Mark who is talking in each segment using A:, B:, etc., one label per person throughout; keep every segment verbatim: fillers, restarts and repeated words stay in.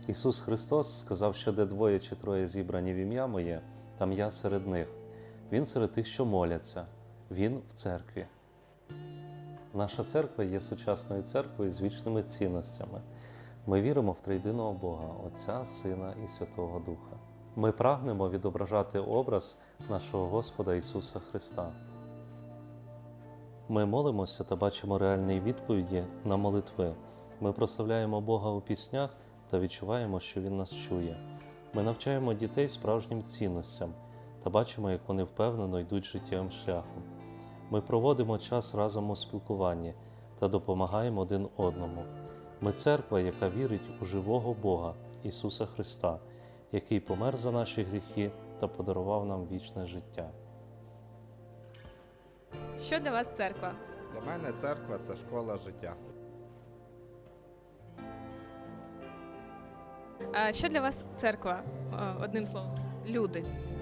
A: Ісус Христос сказав, що де двоє чи троє зібрані в ім'я Моє, там я серед них. Він серед тих, що моляться. Він в церкві. Наша церква є сучасною церквою з вічними цінностями. Ми віримо в триєдиного Бога, Отця, Сина і Святого Духа. Ми прагнемо відображати образ нашого Господа Ісуса Христа. Ми молимося та бачимо реальні відповіді на молитви. Ми прославляємо Бога у піснях та відчуваємо, що Він нас чує. Ми навчаємо дітей справжнім цінностям та бачимо, як вони впевнено йдуть життєвим шляхом. Ми проводимо час разом у спілкуванні та допомагаємо один одному. Ми церква, яка вірить у живого Бога, Ісуса Христа, який помер за наші гріхи та подарував нам вічне життя.
B: Що для вас церква?
C: Для мене церква – це школа життя.
B: А що для вас церква? О, Одним словом.
D: Люди.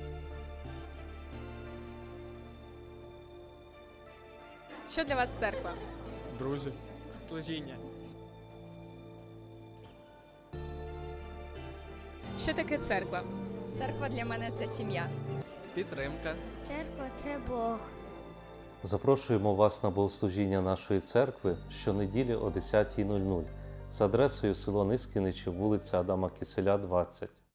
B: Що для вас церква?
E: Друзі. Служіння.
B: Що таке церква?
D: Церква для мене це сім'я.
E: Підтримка.
F: Церква – це Бог.
A: Запрошуємо вас на богослужіння нашої церкви щонеділі о десятій нуль нуль за адресою село Нискіничі, вулиця Адама Киселя, двадцять.